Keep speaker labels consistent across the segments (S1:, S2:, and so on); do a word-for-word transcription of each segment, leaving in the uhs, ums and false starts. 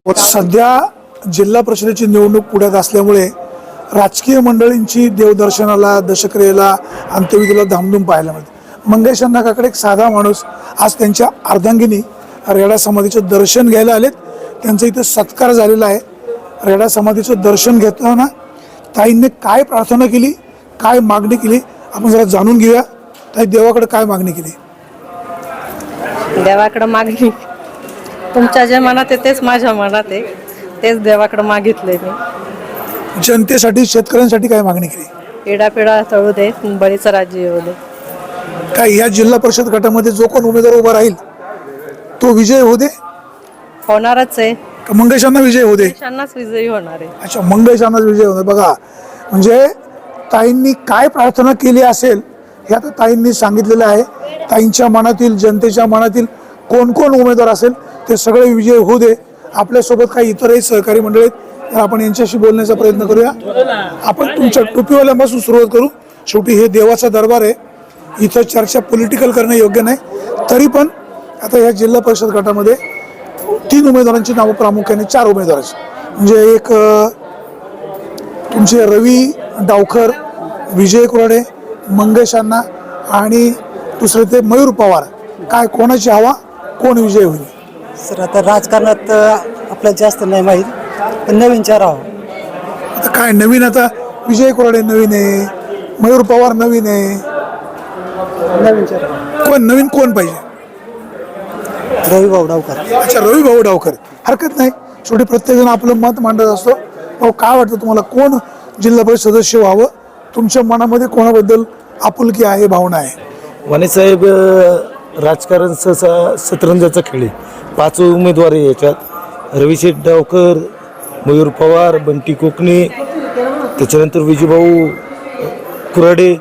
S1: सध्या जिल्हा परिषदेची निवडणूक पुढ्यात असल्यामुळे राजकीय मंडळींची देवदर्शनाला, दशक्रियेला, अंत्यविधीला धामधूम पाहायला मिळते. मंगेश अण्णांकडे एक साधा माणूस आज त्यांच्या अर्धांगिनी रेडा समाधीचं दर्शन घ्यायला आलेत. त्यांचा इथं सत्कार झालेला आहे. रेडा समाधीचं दर्शन घेताना ताईंनी काय प्रार्थना केली, काय मागणी केली, आपण जरा जाणून घेऊया. ताई, देवाकडे काय मागणी केली?
S2: देवाकडे मागणी तुमच्या जे मनात आहे तेच माझ्या मनात आहे, तेच देवाकडे मागितले मी.
S1: जनतेसाठी, शेतकऱ्यांसाठी काय मागणी केली?
S2: पिढा तळू दे, बळीचं राज्य येऊ दे.
S1: काय या जिल्हा परिषद गटामध्ये जो कोण उमेदवार उभा राहील तो विजय होऊ दे?
S2: होणारच आहे.
S1: मंगेशांना विजय होऊ दे?
S2: मंगेशांनाच विजयी होणार आहे.
S1: अच्छा, मंगेशांनाच विजय होऊ दे. बघा, म्हणजे ताईंनी काय प्रार्थना केली असेल हे आता ताईंनी सांगितलेलं आहे. ताईंच्या मनातील, जनतेच्या मनातील कोण कोण उमेदवार असेल ते सगळे विजय होऊ दे. आपल्यासोबत काही इतरही सहकारी मंडळी आहेत, तर आपण यांच्याशी बोलण्याचा प्रयत्न करूया. आपण तुमच्या टोपीवाल्यापासून सुरुवात करू. शेवटी हे देवाचा दरबार आहे, इथं चर्चा पॉलिटिकल करणं योग्य नाही. तरी पण आता या जिल्हा परिषद गटामध्ये तीन उमेदवारांची नावं, प्रामुख्याने चार उमेदवारांची, म्हणजे एक तुमचे रवी डावकर, विजय कुराडे, मंगेश अण्णा आणि दुसरे ते मयूर पवार. काय कोणाची हवा, कोण विजय होईल?
S3: सर, आता राजकारणात आपल्याला जास्त नाही माहीत, पण नवीन चार हवा.
S1: आता काय नवीन? आता विजय कुराडे नवीन आहे, मयूर पवार नवीन आहे,
S3: नवीन चार
S1: कोण नवीन कोण पाहिजे?
S3: रवी भाऊ डावकर.
S1: अच्छा, रवी भाऊ डावकर. हरकत नाही, शेवटी प्रत्येकजण आपलं मत मांडत असतो. भाऊ, काय वाटतं तुम्हाला, कोण जिल्हा परिषद सदस्य व्हावं? तुमच्या मनामध्ये कोणाबद्दल आपुलकी आहे, भावना आहे?
S4: वाणीसाहेब, राजकारण सहसा शतरंजाचा खेळ आहे. पाच उमेदवार आहे याच्यात. रविशेठ डावकर, मयूर पवार, बंटी कोकणे, त्याच्यानंतर विजयभाऊ कुराडे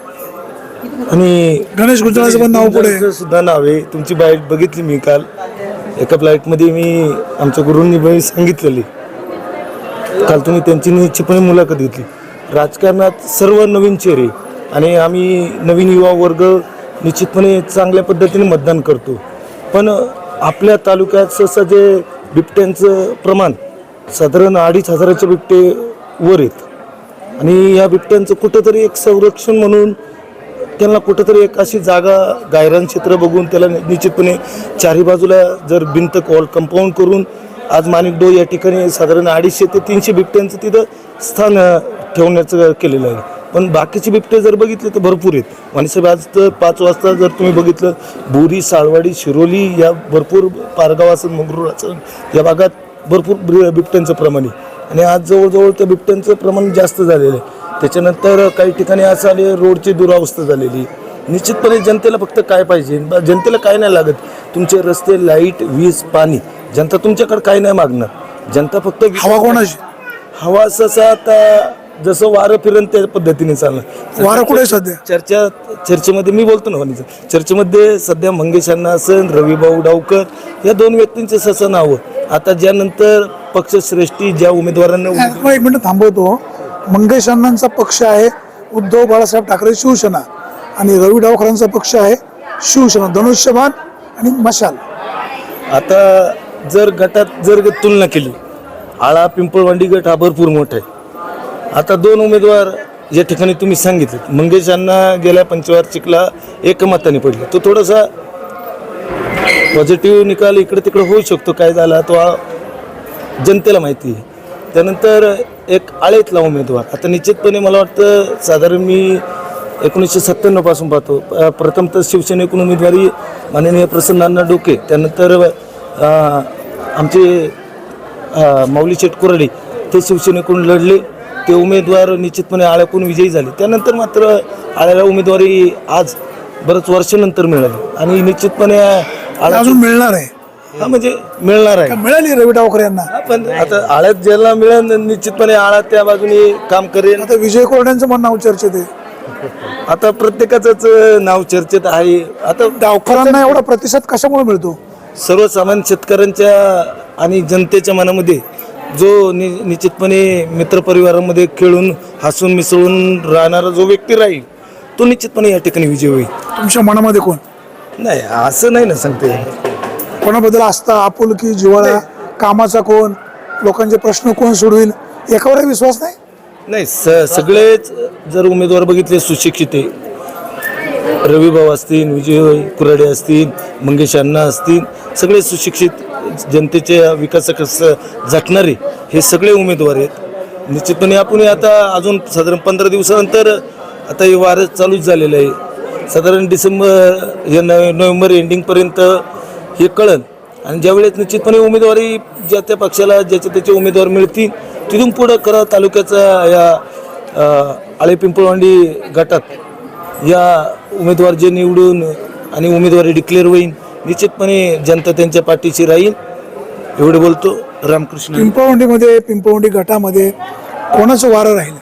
S4: आणि
S1: गणेश गुजराचं पण नाव पुढे
S4: सुद्धा नाव आहे. तुमची बाईट बघितली मी काल एका फ्लाईटमध्ये, मी आमच्या गुरूंनी बाई सांगितलेली. काल तुम्ही त्यांची निश्चितपणे मुलाखत घेतली. राजकारणात सर्व नवीन चेहरे आणि आम्ही नवीन युवा वर्ग निश्चितपणे चांगल्या पद्धतीने मतदान करतो. पण आपल्या तालुक्यात सहसा जे बिबट्यांचं प्रमाण साधारण अडीच हजाराचे बिबटे वर आहेत आणि या बिबट्यांचं कुठंतरी एक संरक्षण म्हणून त्यांना कुठंतरी एक अशी जागा, गायरान क्षेत्र बघून त्याला निश्चितपणे चारी बाजूला जर भिंत, कॉल कंपाऊंड करून आज माणिकडो या ठिकाणी साधारण अडीचशे ते तीनशे बिबट्यांचं तिथं स्थान ठेवण्याचं केलेलं आहे. पण बाकीचे बिबटे जर बघितले तर भरपूर आहेत. वाणीसाहेब, आज तर पाच वाजता जर तुम्ही बघितलं, बोरी, साळवाडी, शिरोली या भरपूर, पारगाव असेल, मंगरूळ असेल, या भागात भरपूर बिबट्यांचं प्रमाण आहे आणि आज जवळजवळ त्या बिबट्यांचं प्रमाण जास्त झालेलं आहे. त्याच्यानंतर काही ठिकाणी असं आले, रोडची दुरावस्था झालेली. निश्चितपणे जनतेला फक्त काय पाहिजे, जनतेला काय नाही लागत. तुमचे रस्ते, लाईट, वीज, पाणी, जनता तुमच्याकडे काय नाही मागणार. जनता फक्त
S1: हवा कोणाची?
S4: हवा सहसा आता जसं वारं फिरण त्या पद्धतीने चाललं.
S1: वारं कुठे सध्या?
S4: चर्चा चर्चेमध्ये मी बोलतो ना, वाणीचं चर्चेमध्ये सध्या मंगेशांना असेल, रविभाऊ डावकर या दोन व्यक्तींचे सहसा नावं. आता ज्यानंतर पक्षश्रेष्ठी ज्या उमेदवारांना,
S1: एक मिनिट थांबवतो. मंगेश अण्णांचा पक्ष आहे उद्धव बाळासाहेब ठाकरे शिवसेना आणि रवी डावकरांचा पक्ष आहे शिवसेना, धनुष्यबाण आणि मशाल.
S4: आता जर गटात जर तुलना केली, आळा पिंपळवांडी गट हा भरपूर मोठा आहे. आता दोन उमेदवार या ठिकाणी तुम्ही सांगितले, मंगेश अण्णा गेल्या पंचवार्षिकला एकमताने पडले. तो थोडासा पॉझिटिव्ह निकाल इकडे तिकडे होऊ शकतो. काय झाला तो जनतेला माहिती आहे. त्यानंतर एक आळेतला उमेदवार, आता निश्चितपणे मला वाटतं साधारण मी एकोणीसशे सत्त्याण्णव पासून पाहतो. प्रथमतः शिवसेनेकडून उमेदवारी माननीय प्रसन्नांना डोके, त्यानंतर आमचे माऊली शेठ कुराडे ते शिवसेनेकडून लढले. ते उमेदवार निश्चितपणे आळ्याकडून विजयी झाले. त्यानंतर मात्र आळ्याला उमेदवारी आज बरंच वर्षानंतर मिळाली आणि निश्चितपणे
S1: अजून मिळणार आहे.
S4: हा, म्हणजे मिळणार आहे.
S1: मिळाली रवी डावकर यांना,
S4: पण आता आळ्यात ज्याला मिळेल निश्चितपणे आळा त्या बाजूने काम करेल.
S1: आता विजय कोरड्यांचं पण नाव चर्चेत आहे.
S4: आता प्रत्येकाचंच नाव चर्चेत आहे. आता
S1: डावकरांना एवढा प्रतिसाद कशामुळे मिळतो?
S4: सर्वसामान्य शेतकऱ्यांच्या आणि जनतेच्या मनामध्ये जो नि निश्चितपणे मित्रपरिवारामध्ये खेळून हसून मिसळून राहणारा जो व्यक्ती राहील तो निश्चितपणे या ठिकाणी विजय होईल.
S1: तुमच्या मनामध्ये कोण?
S4: नाही, असं नाही ना सांगते.
S1: कोणाबद्दल आस्था, आपुलकी, जिव्हाळा कामाचा कोण, लोकांचे प्रश्न कोण सोडवेल याच्यावर विश्वास नाही?
S4: नाही, स सगळेच जर उमेदवार बघितले सुशिक्षित आहे, रविभाऊ असतील, विजय कुराडे असतील, मंगेश अण्णा असतील, सगळे सुशिक्षित जनतेच्या विकासाकस झटणारे हे सगळे उमेदवार आहेत. निश्चितपणे आपण आता अजून साधारण पंधरा दिवसानंतर आता हे वारं चालूच झालेलं आहे. साधारण डिसेंबर या नवे नोव्हेंबर एंडिंगपर्यंत हे कळन आणि ज्यावेळेस निश्चितपणे उमेदवारी ज्या त्या पक्षाला ज्याचे त्याचे उमेदवार मिळतील तिथून पुढं करा तालुक्याचा या आळे पिंपळवांडी गटात या उमेदवार जे निवडून आणि उमेदवारी डिक्लेअर होईल निश्चितपणे जनता त्यांच्या पाठीशी राहील. एवढे बोलतो. रामकृष्ण.
S1: पिंपळवंडीमध्ये पिंपळवंडी गटामध्ये कोणाचं वारं राहील?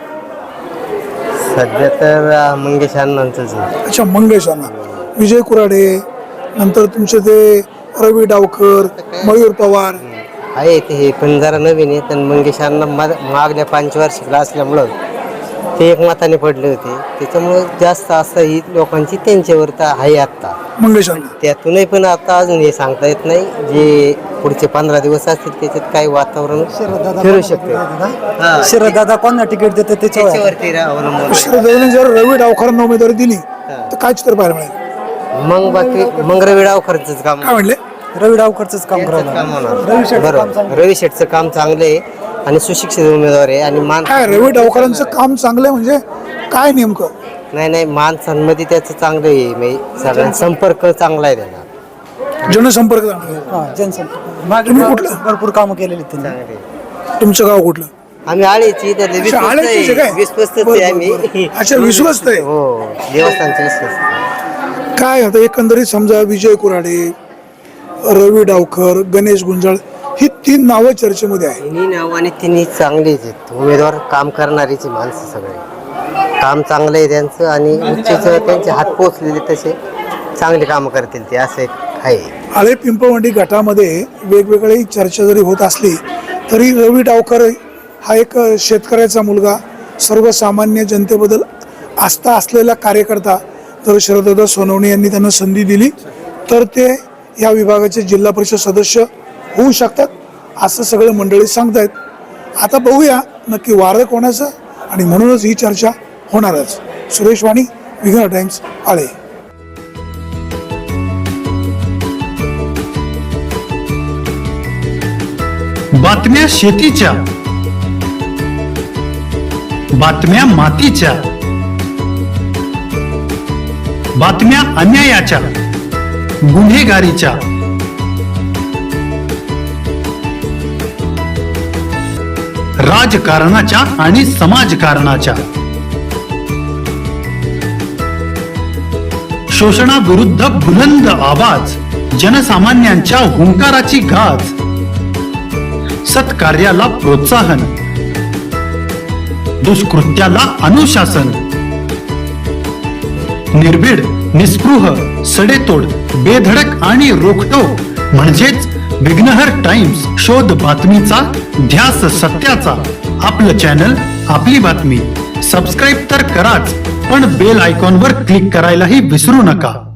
S5: सध्या तर मंगेश अण्णांचंच आहे.
S1: अच्छा, मंगेश अण्णा, विजय कुराडे, नंतर तुमचे ते रवी डावकर, मयूर पवार
S5: आहे ते हे पण जरा नवीन आहे. पण मंगेश अण्णा मा- मागल्या पंचवार्षिकला असल्यामुळं ते एक मताने पडले होते, त्याच्यामुळं जास्त असं ही लोकांची त्यांच्यावर तर आहे आत्ता.
S1: मंगेश अण्णा
S5: त्यातूनही पण आता अजून हे सांगता येत नाही. जे पुढचे पंधरा दिवस असतील त्याच्यात काही वातावरण फिरू शकते. हा,
S3: शरददादा कोणा तिकीट देते त्याच्यावर
S5: त्याच्यावरती अवलंबून.
S1: शरद जर रवी डावकरांना उमेदवारी दिली तर काय चित्र पाहायला मिळेल?
S5: मग बाकी मग रवी डावकरचंच काम
S1: काय म्हणले?
S3: रवी डावकरच काम
S5: त्यांचंच काम
S3: करावं.
S5: होणार. बरोबर, रवी शेठचं काम चांगलं आहे आणि सुशिक्षित उमेदवार आहे आणि मान
S1: काय रवी डावकरांचं काम चांगलं आहे म्हणजे काय नेमकं?
S5: नाही नाही माणसांमध्ये त्याचं चांगलं आहे. म्हणजे सगळ्यांचा संपर्क चांगला आहे त्याला.
S1: जनसंपर्क चांगला आहे.
S3: हा, जनसंपर्क मागे
S1: तुम्ही कुठलं?
S3: भरपूर कामं केलेली त्यांनी.
S5: चांगले आहे.
S1: तुमचं गाव कुठलं?
S5: आम्ही आळेची त्यातले
S1: अच्छा, आळेचीच आहे काय?
S5: विश्वस्त
S1: बरं,
S5: आहे
S1: बरं, बरं.
S5: आम्ही.
S1: अच्छा, विश्वस्त आहे.
S5: हो, देवस्थानचे विश्वस्त.
S1: काय आता एकंदरीत समजा विजय कुराडे, रवी डावकर, गणेश गुंजाळ ही तीन नावं चर्चेमध्ये आहे.
S5: तिन्ही नाव आणि तिन्ही चांगलेच आहेत उमेदवार, काम करणारीची माणसं सगळे. काम चांगलं आहे त्यांचं आणि उच्चेचं त्यांचे हात पोचलेले तसे चांगले कामं करतील ते, असं एक आहे.
S1: आळे पिंपळवंडी गटामध्ये वेगवेगळी चर्चा जरी होत असली तरी रवी डावकर हा एक शेतकऱ्याचा मुलगा, सर्वसामान्य जनतेबद्दल आस्था असलेला कार्यकर्ता. जर शरददादा सोनवणे यांनी त्यांना संधी दिली तर ते या विभागाचे जिल्हा परिषद सदस्य होऊ शकतात असं सगळं मंडळी सांगतायत. आता बघूया नक्की वारं कोणाचं आणि म्हणूनच ही चर्चा होणारच. सुरेश वाणी, विघ्न टाइम्स, आळे.
S6: बातम्या शेतीच्या, बातम्या मातीच्या, बातम्या अन्यायाच्या, गुन्हेगारीच्या, राजकारणाच्या आणि समाजकारणाच्या, शोषणाविरुद्ध बुलंद आवाज, जनसामान्यांच्या हुंकाराची गाज, सत्कार्याला प्रोत्साहन, दुष्कृत्याला अनुशासन, निर्भीड, निस्पृह, सडेतोड, बेधडक आणि रोखटोक म्हणजेच विघ्नहर टाइम्स. शोध बातमीचा, ध्यास सत्याचा. आपलं चॅनल, आपली बातमी. सबस्क्राईब तर कराच, पण बेल आयकॉनवर क्लिक करायलाही विसरू नका.